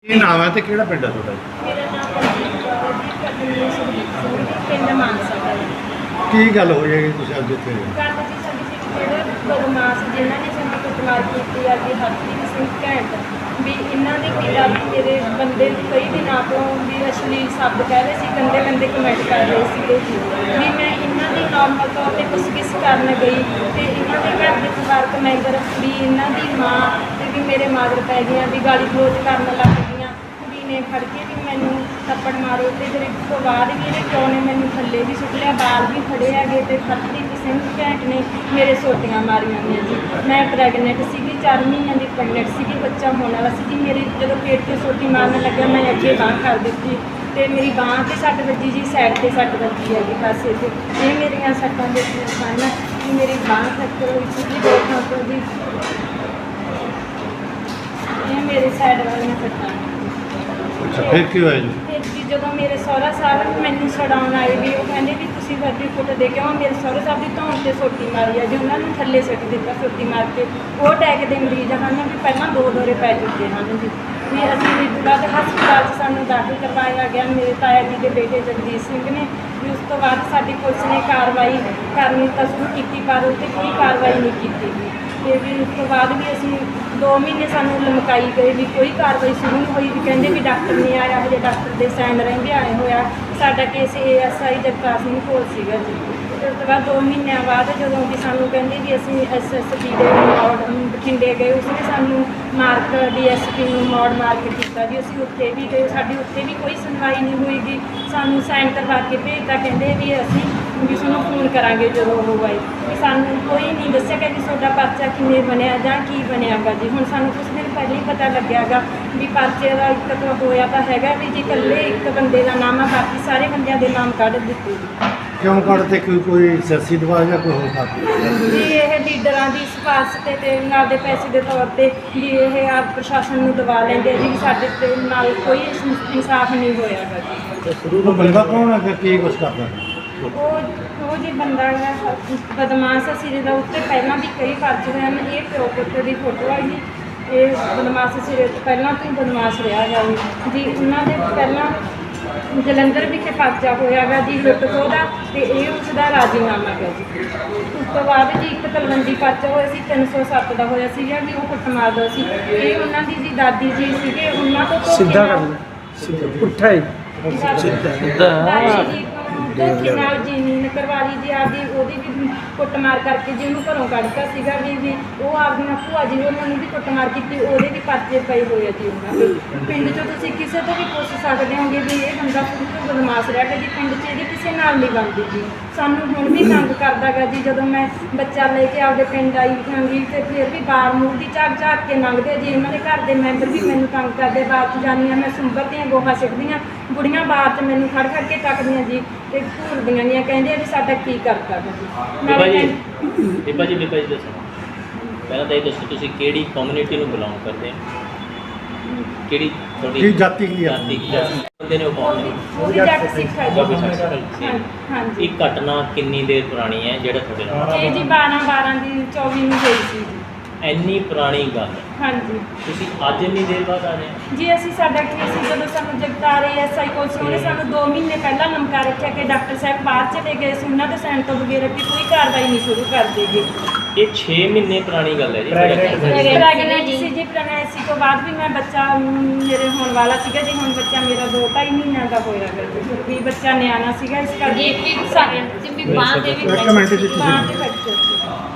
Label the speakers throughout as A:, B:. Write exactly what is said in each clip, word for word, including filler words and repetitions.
A: ਕੀ ਨਾਮ ਹੈ ਤੇ ਕਿਹੜਾ ਪਿੰਡ ਹੈ ਤੁਹਾਡਾ ਜੀ?
B: ਮੇਰਾ ਨਾਮ ਪਰਮਜੀਤ ਕੌਰ ਹੈ ਜੀ, ਪਤਨੀ ਸੁਖਦੀਪ ਸਿੰਘ ਜੀ, ਪਿੰਡ ਮਾਨਸਾ ਦਾ ਜੀ।
A: ਕੀ ਗੱਲ ਹੋਈ ਹੈ ਕਿ ਤੁਸੀਂ ਅੱਜ ਇੱਥੇ ਆਏ?
B: ਗੱਲ ਜੀ ਸਾਡੀ ਸੀ ਜਿਹੜੇ ਬਦਮਾਸ਼ ਜਿਨ੍ਹਾਂ ਨੇ ਸਾਡੀ ਕੁੱਟਮਾਰ ਕੀਤੀ ਆ ਕਿ ਹਰਪ੍ਰੀਤ ਸਿੰਘ ਘੈਂਟ ਵੀ ਇਹਨਾਂ ਦੇ ਪਿਤਾ ਵੀ ਮੇਰੇ ਬੰਦੇ ਨੂੰ ਕਈ ਦਿਨਾਂ ਤੋਂ ਵੀ ਅਸ਼ਲੀਲ ਸ਼ਬਦ ਕਹਿ ਰਹੇ ਸੀ, ਗੰਦੇ ਗੰਦੇ ਕਮੈਂਟ ਕਰ ਰਹੇ ਸੀਗੇ ਜੀ। ਵੀ ਮੈਂ ਇਹਨਾਂ ਦੀ ਨਾਰਮਲ ਤੌਰ 'ਤੇ ਪੁੱਛਗਿੱਛ ਕਰਨ ਗਈ ਤੇ ਇਹਨਾਂ ਦੇ ਘਰ ਦੇ ਪਰਿਵਾਰਕ ਮੈਂਬਰ ਵੀ ਇਹਨਾਂ ਦੀ ਮਾਂ ਤੇ ਵੀ ਮੇਰੇ ਮਾਗਰ ਪੈ ਗਈਆਂ ਵੀ ਗਾਲੀ ਗਲੋਚ ਕਰਨ ਲੱਗ ਗਈਆਂ। ਕੁੜੀ ਨੇ ਫੜ ਕੇ ਵੀ ਮੈਨੂੰ ਥੱਪੜ ਮਾਰੇ ਤੇ ਫਿਰ ਇਸ ਤੋਂ ਬਾਅਦ ਵੀ ਇਹਨੇ ਪਿਓ ਨੇ ਮੈਨੂੰ ਥੱਲੇ ਵੀ ਸੁੱਟ ਲਿਆ, ਬਾਲ ਵੀ ਫੜੇ ਹੈਗੇ ਤੇ ਹਰਪ੍ਰੀਤ ਸਿੰਘ ਘੈਂਟ ਨੇ ਮੇਰੇ ਸੋਟੀਆਂ ਮਾਰੀਆਂ ਨੇ ਜੀ। ਮੈਂ ਪ੍ਰੈਗਨੈਂਟ ਸੀਗੀ, ਚਾਰ ਮਹੀਨਿਆਂ ਦੀ ਪ੍ਰੈਗਨੈਂਟ ਸੀਗੀ, ਬੱਚਾ ਹੋਣ ਵਾਲਾ ਸੀ ਜੀ। ਮੇਰੀ ਜਦੋਂ ਪੇਟ 'ਤੇ ਸੋਟੀ ਮਾਰਨ ਲੱਗਿਆ ਮੈਂ ਅੱਗੇ ਬਾਂਹ ਕਰ ਦਿੱਤੀ ਤੇ ਮੇਰੀ ਬਾਂਹ 'ਤੇ ਸੱਟ ਵੱਜੀ ਜੀ, ਸਾਈਡ 'ਤੇ ਸੱਟ ਵੱਜੀ ਹੈਗੀ ਪਾਸੇ 'ਤੇ। ਇਹ ਮੇਰੀਆਂ ਸੱਟਾਂ ਦੇ ਸਨ ਕਿ ਮੇਰੀ ਬਾਂਹ ਫ੍ਰੈਕਚਰ ਹੋਈ ਸੀ ਜੀ ਦੋ ਥਾਂ ਤੋਂ ਜੀ। ਇਹ ਮੇਰੇ ਸਾਈਡ ਵਾਲੀਆਂ ਸੱਟਾਂ।
A: ਅੱਛਾ, ਫਿਰ ਕੀ ਹੋਇਆ ਜੀ?
B: ਫਿਰ ਜੀ ਜਦੋਂ ਮੇਰੇ ਸਹੁਰਾ ਸਾਹਿਬ ਮੈਨੂੰ ਛਡਾਉਣ ਆਏ ਵੀ ਉਹ ਕਹਿੰਦੇ ਵੀ ਤੁਸੀਂ ਸਾਡੀ ਫੋਟੋ ਦੇ ਕੇ ਆਓ। ਮੇਰੇ ਸਹੁਰਾ ਸਾਹਿਬ ਦੀ ਧੌਣ 'ਤੇ ਸੋਟੀ ਮਾਰੀ ਆ ਜੀ, ਉਹਨਾਂ ਨੂੰ ਥੱਲੇ ਸੁੱਟ ਦਿੱਤਾ ਸੋਟੀ ਮਾਰ ਕੇ। ਉਹ ਅਟੈਕ ਦੇ ਮਰੀਜ਼ ਹਨ ਵੀ ਪਹਿਲਾਂ ਦੋ ਦੌਰੇ ਪੈ ਚੁੱਕੇ ਹਨ ਜੀ। ਵੀ ਅਸੀਂ ਵੀ ਬਾਅਦ ਹਸਪਤਾਲ 'ਚ ਸਾਨੂੰ ਦਾਖਲ ਕਰਵਾਇਆ ਗਿਆ ਮੇਰੇ ਤਾਇਆ ਜੀ ਦੇ ਬੇਟੇ ਜਗਦੀਸ਼ ਸਿੰਘ ਨੇ। ਵੀ ਉਸ ਤੋਂ ਬਾਅਦ ਸਾਡੀ ਪੁਲਿਸ ਨੇ ਕਾਰਵਾਈ ਕਰਨੀ ਤਾਂ ਸ਼ੁਰੂ ਕੀਤੀ ਪਰ ਉੱਥੇ ਕੋਈ ਕਾਰਵਾਈ ਨਹੀਂ ਕੀਤੀ ਗਈ। ਅਤੇ ਵੀ ਉਸ ਤੋਂ ਬਾਅਦ ਵੀ ਅਸੀਂ ਦੋ ਮਹੀਨੇ ਸਾਨੂੰ ਲਮਕਾਈ ਗਏ ਵੀ ਕੋਈ ਕਾਰਵਾਈ ਸ਼ੁਰੂ ਨਹੀਂ ਹੋਈ। ਵੀ ਕਹਿੰਦੇ ਵੀ ਡਾਕਟਰ ਨਹੀਂ ਆਇਆ, ਹਜੇ ਡਾਕਟਰ ਦੇ ਸਾਈਨ ਰਹਿੰਦੇ ਆਏ ਹੋਇਆ। ਸਾਡਾ case A S I Jagtar Singh ਕੋਲ ਸੀਗਾ ਜੀ। ਅਤੇ ਉਸ ਤੋਂ ਬਾਅਦ ਦੋ ਮਹੀਨਿਆਂ ਬਾਅਦ ਜਦੋਂ ਵੀ ਸਾਨੂੰ ਕਹਿੰਦੇ ਵੀ ਅਸੀਂ ਐਸ ਐਸ ਪੀ ਦੇ ਮੋੜ ਬਠਿੰਡੇ ਗਏ, ਉਸਨੇ ਸਾਨੂੰ ਮਾਰਕ ਡੀ ਐਸ ਪੀ ਨੂੰ ਮੋੜ ਮਾਰਕ ਕੀਤਾ ਜੀ। ਅਸੀਂ ਉੱਥੇ ਵੀ ਗਏ, ਸਾਡੀ ਉੱਥੇ ਵੀ ਕੋਈ ਸੁਣਵਾਈ ਨਹੀਂ ਹੋਈਗੀ। ਸਾਨੂੰ ਸਾਈਨ ਕਰਵਾ ਕੇ ਭੇਜਤਾ, ਕਹਿੰਦੇ ਵੀ ਅਸੀਂ ਵੀ ਤੁਹਾਨੂੰ ਫੋਨ ਕਰਾਂਗੇ ਜਦੋਂ ਉਹ ਆਏ। ਵੀ ਸਾਨੂੰ ਕੋਈ ਨਹੀਂ ਦੱਸਿਆ ਕਿ ਵੀ ਤੁਹਾਡਾ ਪਰਚਾ ਕਿਵੇਂ ਬਣਿਆ ਜਾਂ ਕੀ ਬਣਿਆਗਾ ਜੀ। ਹੁਣ ਸਾਨੂੰ ਕੁਛ ਦਿਨ ਪਹਿਲਾਂ ਹੀ ਪਤਾ ਲੱਗਿਆਗਾ ਵੀ ਪਰਚੇ ਦਾ ਇੱਕ ਤਾਂ ਹੋਇਆ ਤਾਂ ਹੈਗਾ ਵੀ ਜੀ ਇਕੱਲੇ ਇੱਕ ਬੰਦੇ ਦਾ ਨਾਮ ਆ, ਬਾਕੀ ਸਾਰੇ ਬੰਦਿਆਂ ਦੇ ਨਾਮ ਕੱਢ ਦਿੱਤੇ ਜੀ।
A: ਕਿਉਂ ਕੱਢਦੇ? ਕੋਈ ਕੋਈ ਸਿਆਸੀ ਦਬਾਅ ਜਾਂ ਕੋਈ ਹੋਰ ਕਾਰਨ?
B: ਜੀ ਇਹ ਲੀਡਰਾਂ ਦੀ ਸਿਫਾਰਿਸ਼ 'ਤੇ ਤੇ ਨਾਲ ਦੇ ਪੈਸੇ ਦੇ ਤੌਰ 'ਤੇ ਵੀ ਇਹ ਆਪ ਪ੍ਰਸ਼ਾਸਨ ਨੂੰ ਦਬਾ ਲੈਂਦੇ ਜੀ। ਸਾਡੇ ਤੇ ਨਾਲ ਕੋਈ ਇਨਸਾਫ ਨਹੀਂ ਹੋਇਆਗਾ ਜੀ।
A: ਉਹ ਬੰਦਾ ਕੌਣ ਹੈ, ਕੀ ਕੁਛ ਕਰਦਾ?
B: ਉਹ ਉਹ ਜੀ ਬੰਦਾ ਹੈ ਬਦਮਾਸ਼ ਅਸੀਂ ਜਿਹਦਾ ਉੱਤੇ ਪਹਿਲਾਂ ਵੀ ਕਈ ਪਰਚੇ ਹੋਏ ਹਨ। ਇਹ ਪਿਓ ਪੁੱਤ ਦੀ ਫੋਟੋ ਹੈ ਜੀ। ਇਹ ਬਦਮਾਸ਼ ਸਿਰੇ ਪਹਿਲਾਂ ਤੋਂ ਹੀ ਬਦਮਾਸ਼ ਰਿਹਾ ਗਾ ਜੀ। ਉਹਨਾਂ ਦੇ ਪਹਿਲਾਂ ਜਲੰਧਰ ਵਿਖੇ ਪਰਚਾ ਹੋਇਆ ਗਾ ਜੀ ਲੁੱਟ ਖੋਹ ਦਾ, ਅਤੇ ਇਹ ਉਸ ਦਾ ਰਾਜ਼ੀਨਾਮਾ ਗਾ ਜੀ। ਉਸ ਤੋਂ ਬਾਅਦ ਜੀ ਇੱਕ ਤਲਵੰਡੀ ਪਰਚਾ ਹੋਇਆ ਸੀ ਤਿੰਨ ਸੌ ਸੱਤ ਦਾ ਹੋਇਆ ਸੀਗਾ ਵੀ ਉਹ ਕੁੱਟ ਮਾਰਦਾ ਸੀ। ਇਹ ਉਹਨਾਂ ਦੀ ਜੀ ਦਾਦੀ ਜੀ ਸੀਗੇ, ਉਹਨਾਂ ਤੋਂ
C: ਸਿੱਧਾ ਕਰ ਪੁੱਠਾ ਹੀ
B: ਦਾਦੀ ਜੀ ਧੋਖੇ ਨਾਲ ਜ਼ਮੀਨ ਕਰਵਾ ਲਈ ਜੀ ਆਪਦੀ, ਉਹਦੀ ਵੀ ਕੁੱਟਮਾਰ ਕਰਕੇ ਜੀ ਉਹਨੂੰ ਘਰੋਂ ਕੱਢਤਾ ਸੀਗਾ ਜੀ। ਜੀ ਉਹ ਆਪਦੀਆਂ ਭੂਆ ਜੀ ਉਹਨਾਂ ਨੂੰ ਵੀ ਕੁੱਟਮਾਰ ਕੀਤੀ, ਉਹਦੇ ਵੀ ਪਰਚੇ ਪਏ ਹੋਏ ਆ ਜੀ ਉਹਨਾਂ ਦੇ। ਪਿੰਡ 'ਚੋਂ ਤੁਸੀਂ ਕਿਸੇ ਤੋਂ ਵੀ ਪੁੱਛ ਸਕਦੇ ਹੋਗੇ ਵੀ ਇਹ ਬੰਦਾ ਕਿਉਂ ਬਦਮਾਸ਼ ਰਿਹਾ ਗਾ ਜੀ। ਪਿੰਡ 'ਚ ਇਹਦੀ ਕਿਸੇ ਨਾਲ ਨਹੀਂ ਬਣਦੀ ਜੀ। ਸਾਨੂੰ ਹੁਣ ਵੀ ਤੰਗ ਕਰਦਾ ਗਾ ਜੀ। ਜਦੋਂ ਮੈਂ ਬੱਚਾ ਲੈ ਕੇ ਆਪਦੇ ਪਿੰਡ ਆਈ ਜਾਂਗੀ ਤੇ ਫਿਰ ਵੀ ਬਾਹਰ ਮੂੰਹ ਦੀ ਝਾਕ ਝਾਕ ਕੇ ਲੰਘਦੇ ਜੀ। ਇਹਨਾਂ ਦੇ ਘਰ ਦੇ ਮੈਂਬਰ ਵੀ ਮੈਨੂੰ ਤੰਗ ਕਰਦੇ। ਬਾਹਰ 'ਚ ਜਾਂਦੀ ਹਾਂ ਮੈਂ ਸੁੰਬਰਦੀਆਂ ਗੋਹਾ ਸਿੱਟਦੀਆਂ, ਬੁੜੀਆਂ ਬਾਹਰ 'ਚ ਮੈਨੂੰ ਖੜ ਖੜ ਕੇ ਤੱਕਦੀਆਂ ਜੀ ਤੇ ਘੂਰਦੀਆਂ ਗੀਆਂ, ਕਹਿੰਦੇ ਵੀ ਸਾਡਾ ਕੀ ਕਰਤਾ ਜੀ।
D: ਬੀਬਾ ਜੀ ਬੀਬਾ ਜੀ ਬੀਬਾ ਜੀ ਦੱਸੋ ਪਹਿਲਾਂ ਤਾਂ ਇਹ ਦੱਸੋ ਤੁਸੀਂ ਕਿਹੜੀ ਕਮਿਊਨਿਟੀ ਨੂੰ ਬਿਲੋਂਗ ਕਰਦੇ ਹੋ? ਕਿਹੜੀ ਤੁਹਾਡੀ
A: ਕੀ ਜਾਤੀ ਕੀ ਆ?
D: ਜਾਤੀ ਕੀ ਜਾਤੀ ਬੰਦੇ ਨੇ ਉਹ ਕੌਣ ਨੇ?
B: ਉਹ ਵੀ ਜੱਟ ਸਿੱਖ ਹੈ
D: ਬਾਬੇ
B: ਜੀ।
D: ਸਾਹਿਬ ਸਿੰਘ।
B: ਹਾਂ- ਹਾਂਜੀ
D: ਇਹ ਘਟਨਾ ਕਿੰਨੀ ਦੇਰ ਪੁਰਾਣੀ ਹੈ ਜਿਹੜਾ ਤੁਹਾਡੇ ਨਾਲ?
B: ਇਹ ਜੀ ਬਾਰਾਂ ਬਾਰਾਂ ਦੀ ਚੌਵੀ ਨੂੰ ਹੋਈ ਸੀ ਜੀ।
D: ਇੰਨੀ ਪੁਰਾਣੀ ਗੱਲ
B: ਹਾਂਜੀ
D: ਤੁਸੀਂ ਅੱਜ ਇੰਨੀ ਦੇਰ ਬਾਅਦ ਆ ਰਹੇ ਹੋ?
B: ਜੀ ਅਸੀਂ ਸਾਡਾ ਕੇਸ ਜਦੋਂ ਸਾਨੂੰ ਜਗਤਾਰ ਐਸ ਆਈ ਕੋਲ ਸੀ, ਉਹਨੇ ਸਾਨੂੰ ਦੋ ਮਹੀਨੇ ਪਹਿਲਾਂ ਲਮਕਾ ਰੱਖਿਆ ਕਿ ਡਾਕਟਰ ਸਾਹਿਬ ਬਾਹਰ ਚਲੇ ਗਏ ਸੀ, ਉਹਨਾਂ ਦੇ ਸਾਈਨ ਤੋਂ ਬਗੈਰ ਕਿ ਕੋਈ ਕਾਰਵਾਈ ਨਹੀਂ ਸ਼ੁਰੂ ਕਰ ਦੇਗੀ।
D: ਇਹ ਛੇ ਮਹੀਨੇ ਪੁਰਾਣੀ ਗੱਲ ਹੈ ਜੀ।
B: ਪ੍ਰੈਗਨੈਂਟ ਸੀ ਜੀ। ਪ੍ਰੈਗਨੈਂਸੀ ਤੋਂ ਬਾਅਦ ਵੀ ਮੈਂ ਬੱਚਾ ਮੇਰੇ ਹੋਣ ਵਾਲਾ ਸੀਗਾ ਜੀ। ਹੁਣ ਬੱਚਾ ਮੇਰਾ ਦੋ ਢਾਈ ਮਹੀਨਿਆਂ ਦਾ ਹੋਇਆ ਗਾ ਵੀ ਬੱਚਾ ਨਿਆਣਾ ਸੀਗਾ, ਇਸ ਕਰਕੇ ਸਾਰੇ ਵੀ ਬਾਂਹ ਦੇ ਵੀ
A: ਇੱਕ ਮਿੰਟ ਜੀ, ਤੁਸੀਂ-
B: ਬਾਂਹ ਦੇ ਫ੍ਰੈਕਚਰ ਸੀ।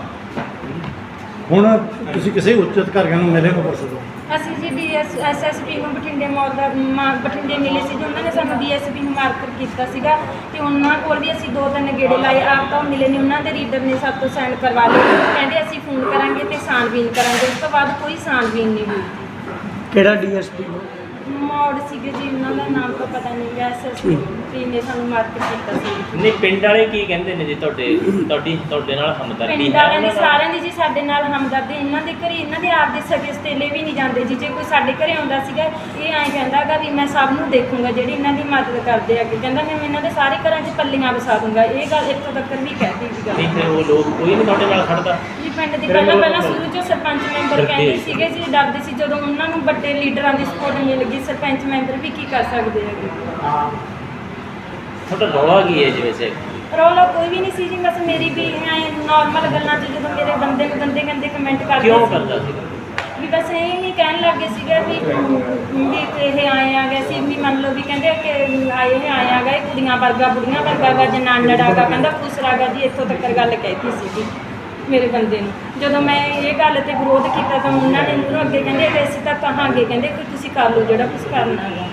A: ਹੁਣ ਤੁਸੀਂ ਕਿਸੇ ਉੱਚ ਅਧਿਕਾਰੀਆਂ ਨੂੰ ਮਿਲੇ ਹੋ ਪਰਸੋਂ?
B: ਅਸੀਂ ਜੀ D S S S P ਨੂੰ ਬਠਿੰਡੇ ਮੋੜ ਦਾ ਮਾ- ਬਠਿੰਡੇ ਮਿਲੇ ਸੀ ਜੀ। ਉਹਨਾਂ ਨੇ ਸਾਨੂੰ ਡੀ ਐਸ ਪੀ ਨੂੰ ਮਾਰਕਰ ਕੀਤਾ ਸੀਗਾ ਤੇ ਉਹਨਾਂ ਕੋਲ ਵੀ ਅਸੀਂ ਦੋ ਤਿੰਨ ਗੇੜੇ ਲਾਏ। ਆਪ ਤਾਂ ਉਹ ਮਿਲੇ ਨਹੀਂ, ਉਹਨਾਂ ਦੇ ਰੀਡਰ ਨੇ ਸਾਡੇ ਤੋਂ ਸਾਈਨ ਕਰਵਾ ਲਏ। ਕਹਿੰਦੇ ਅਸੀਂ ਫੋਨ ਕਰਾਂਗੇ ਤੇ ਛਾਣਬੀਨ ਕਰਾਂਗੇ। ਉਸ ਤੋਂ ਬਾਅਦ ਕੋਈ ਛਾਣਬੀਨ ਨਹੀਂ ਹੋਈ ਜੀ।
C: ਕਿਹੜਾ ਡੀਐਸਪੀ
B: ਮੋੜ ਸੀਗੇ ਜੀ, ਉਹਨਾਂ ਦਾ ਨਾਮ ਤਾਂ ਪਤਾ ਨਹੀਂ ਗਿਆ। ਐਸ ਐਸ ਪੀ ਨੇ ਸਾਨੂੰ ਮਾਰਕਰ ਕੀਤਾ ਸੀ।
D: ਨਹੀਂ ਪਿੰਡ ਵਾਲੇ ਕੀ ਕਹਿੰਦੇ ਨੇ ਜੀ ਤੁਹਾਡੇ ਤੁਹਾਡੀ ਤੁਹਾਡੇ ਨਾਲ ਹਮਦਰਦੀ
B: ਪਿੰਡ
D: ਹੈ
B: ਵਾਲਿਆਂ ਦੀ
D: ਉਹਨਾਂ ਨਾਲ?
B: ਸਾਰਿਆਂ ਦੀ ਜੀ ਸਾਡੇ ਨਾਲ ਹਮਦਰਦੀ। ਇਹਨਾਂ ਦੇ ਘਰੇ ਇਹਨਾਂ ਦੇ ਆਪ ਦੇ ਸਕੇ ਸਤੇਲੇ ਵੀ ਨਹੀਂ ਜਾਂਦੇ ਜੀ। ਜੇ ਕੋਈ ਸਾਡੇ ਘਰੇ ਆਉਂਦਾ ਸੀਗਾ ਇਹ ਐਂ ਕਹਿੰਦਾ ਗਾ ਵੀ ਮੈਂ ਸਭ ਨੂੰ ਦੇਖੂੰਗਾ ਜਿਹੜੇ ਇਹਨਾਂ ਦੀ ਮਦਦ ਕਰਦੇ ਆ। ਕਹਿੰਦਾ ਮੈਂ ਇਹਨਾਂ ਦੇ ਸਾਰੇ ਘਰਾਂ 'ਚ ਪੱਲੀਆਂ ਵਸਾ ਦੂੰਗਾ। ਇਹ ਗੱਲ ਇੱਥੋਂ ਤੱਕ ਵੀ ਕਹਿਤੀ ਸੀ ਗੱਲ
D: ਨਹੀਂ ਫਿਰ ਉਹ ਲੋਕ ਕੋਈ ਨਹੀਂ ਤੁਹਾਡੇ ਨਾਲ ਖੜਦਾ
B: ਜੀ। ਪਿੰਡ ਦੀ ਪਹਿਲਾਂ ਪਹਿਲਾਂ ਸ਼ੁਰੂ 'ਚ ਸਰਪੰਚ ਮੈਂਬਰ ਕਹਿੰਦੇ ਸੀਗੇ ਜੀ, ਡਰਦੇ ਸੀ। ਜਦੋਂ ਉਹਨਾਂ ਨੂੰ ਵੱਡੇ ਲੀਡਰਾਂ ਦੀ ਸਪੋਰਟ ਮਿਲ ਗਈ ਵੀ ਸਰਪੰਚ ਮੈਂਬਰ ਵੀ ਕੀ ਕਰ ਸਕਦੇ ਹੈਗੇ।
D: ਤੁਹਾਡਾ ਰੌਲਾ ਕੀ ਹੈ ਜੀ ਵੈਸੇ?
B: ਰੌਲਾ ਕੋਈ ਵੀ ਨਹੀਂ ਸੀ ਜੀ, ਬਸ ਮੇਰੀ ਵੀ ਐ ਨਾਰਮਲ ਗੱਲਾਂ 'ਚ ਜਦੋਂ ਮੇਰੇ ਬੰਦੇ ਨੂੰ ਗੰਦੇ ਗੰਦੇ ਕਮੈਂਟ ਕਰਦੇ
D: ਕਿਉਂ
B: ਸੀ,
D: ਕਰਦਾ ਸੀ?
B: ਵੀ ਬਸ ਇਹ ਨਹੀਂ ਕਹਿਣ ਲੱਗੇ ਸੀਗਾ ਵੀ ਵੀ ਇਹ ਆਏ ਆ ਗਏ ਸੀ, ਵੀ ਮੰਨ ਲਓ ਵੀ ਕਹਿੰਦੇ ਕਿ ਆਏ ਇਹ ਆਏ ਆ ਗਏ ਕੁੜੀਆਂ ਵਰਗਾ ਬੁੜੀਆਂ ਵਰਗਾ ਗਾ ਜਨਾਨੜਾ ਗਾ, ਕਹਿੰਦਾ ਖੁਸਰਾ ਗਾ ਜੀ, ਇੱਥੋਂ ਤੱਕ ਗੱਲ ਕਹਿਤੀ ਸੀਗੀ ਮੇਰੇ ਬੰਦੇ ਨੂੰ। ਜਦੋਂ ਮੈਂ ਇਹ ਗੱਲ ਤੇ ਵਿਰੋਧ ਕੀਤਾ ਤਾਂ ਉਹਨਾਂ ਨੇ ਮੈਨੂੰ ਅੱਗੇ ਕਹਿੰਦੇ ਕਿ ਅਸੀਂ ਤਾਂ ਕਹਾਂਗੇ, ਕਹਿੰਦੇ ਕਿ ਤੁਸੀਂ ਕਰ ਲਓ ਜਿਹੜਾ ਕੁਝ ਕਰਨਾ ਗਾ।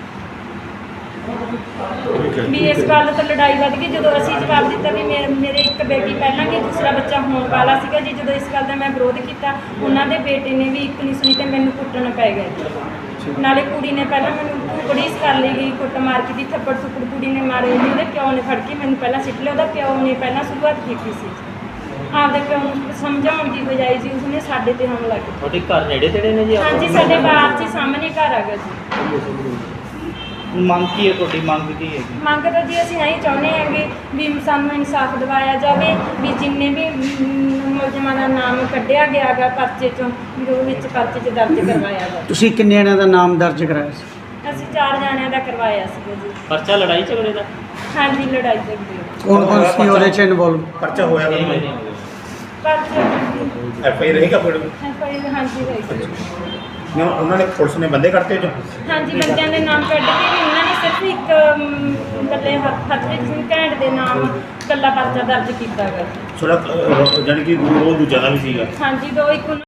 B: ਵੀ ਇਸ ਗੱਲ ਤੋਂ ਲੜਾਈ ਵੱਧ ਗਈ ਜਦੋਂ ਅਸੀਂ ਜਵਾਬ ਦਿੱਤਾ ਵੀ ਮੇ- ਮੇਰੇ ਇੱਕ ਬੇਟੀ ਪਹਿਲਾਂ ਕਿ ਦੂਸਰਾ ਬੱਚਾ ਹੋਣ ਵਾਲਾ ਸੀਗਾ ਜੀ। ਜਦੋਂ ਇਸ ਗੱਲ ਦਾ ਮੈਂ ਵਿਰੋਧ ਕੀਤਾ, ਉਹਨਾਂ ਦੇ ਬੇਟੇ ਨੇ ਵੀ ਇੱਕ ਨਹੀਂ ਸੁਣੀ ਤੇ ਮੈਨੂੰ ਕੁੱਟਣ ਪੈ ਗਿਆ ਜੀ। ਨਾਲੇ ਕੁੜੀ ਨੇ ਪਹਿਲਾਂ ਮੈਨੂੰ ਕੁੜੀਸ ਕਰ ਲਈ ਗਈ, ਕੁੱਟ ਮਾਰ ਕੇ ਦੀ ਥੱਪੜ ਥੁੱਪੜ ਕੁੜੀ ਨੇ ਮਾਰੇ ਜੀ। ਉਹਦੇ ਪਿਓ ਨੇ ਫੜ ਕੇ ਮੈਨੂੰ ਪਹਿਲਾਂ ਸਿੱਟ ਲਿਆ, ਉਹਦਾ ਪਿਓ ਨੇ ਪਹਿਲਾਂ ਸ਼ੁਰੂਆਤ ਕੀਤੀ ਸੀ ਆਪਦੇ ਪਿਓ ਨੂੰ ਸਮਝਾਉਣ ਦੀ ਬਜਾਏ ਜੀ ਉਸਨੇ ਸਾਡੇ ਤੇ ਹਮਲਾ ਕੀਤਾ।
D: ਤੁਹਾਡੇ ਘਰ ਨੇੜੇ ਤੇੜੇ ਨੇ ਜੀ?
B: ਹਾਂਜੀ, ਸਾਡੇ ਬਾਹਰ 'ਚ ਹੀ ਸਾਹਮਣੇ ਘਰ ਹੈਗਾ ਜੀ।
C: ਮੰਗ ਕੀ ਹੈ ਤੁਹਾਡੀ? ਮੰਗ ਕੀ ਹੈ?
B: ਮੰਗ ਤਾਂ ਜੀ ਅਸੀਂ ਇਹੀ ਚਾਹੁੰਦੇ ਹੈਗੇ ਵੀ ਸਾਨੂੰ ਇਨਸਾਫ ਦਿਵਾਇਆ ਜਾਵੇ, ਵੀ ਜਿੰਨੇ ਵੀ ਮ, ਮੁਲਜ਼ਮਾਂ ਦਾ ਨਾਮ ਕੱਢਿਆ ਗਿਆ ਗਾ ਪਰਚੇ 'ਚੋਂ, ਵੀ ਉਹ ਵਿੱਚ ਪਰਚੇ 'ਚ ਦਰਜ ਕਰਵਾਇਆ ਜਾਵੇ।
C: ਤੁਸੀਂ ਕਿੰਨੇ ਜਣਿਆਂ ਦਾ ਨਾਮ ਦਰਜ ਕਰਾਇਆ ਸੀ?
B: ਅਸੀਂ ਚਾਰ ਜਾਣਿਆਂ ਦਾ ਕਰਵਾਇਆ ਸੀਗਾ ਜੀ।
D: ਪਰਚਾ ਲੜਾਈ ਝਗੜੇ ਦਾ?
B: ਹਾਂਜੀ, ਲੜਾਈ ਝਗੜੇ
C: ਕੌਣ ਕੌਣ ਸੀ ਉਹਦੇ ਚ ਇਨਵੋਲਵ?
E: ਪਰਚਾ ਹੋਇਆ
D: ਛੇ
E: ਵਾ
D: ਮਹੀਨੇ ਹੋ ਗਏ।
B: ਪਰਚੇ
E: ਐਫ ਆਈ ਰਹੇਗਾ ਕੋਈ
B: ਐਫਆਈ ਹਾਂਜੀ ਹੋਈ ਸੀ।
E: ਨਾ ਉਹਨਾਂ ਨੇ ਪੁਲਿਸ ਨੇ ਬੰਦੇ ਕੱਢਤੇ ਜੋ
B: ਹਾਂਜੀ, ਬੰਦਿਆਂ ਦੇ ਨਾਮ ਕੱਢ ਕੇ ਵੀ ਉਹਨਾਂ ਨੇ ਸਿਰਫ ਇੱਕ ਅਮ, ਇਕੱਲੇ ਹੱਥ ਹੱਥਵੀਰ ਸਿੰਘ ਘੈਂਟ ਦੇ ਨਾਮ ਇਕੱਲਾ ਪਰਚਾ ਦਰਜ ਕੀਤਾ ਗਾ।
E: ਥੋੜਾ ਜਾਨੀ ਕਿ ਉਹ ਦੂਜਾ ਦਾ ਵੀ ਸੀਗਾ।
B: ਹਾਂਜੀ, ਦੋ ਇੱਕ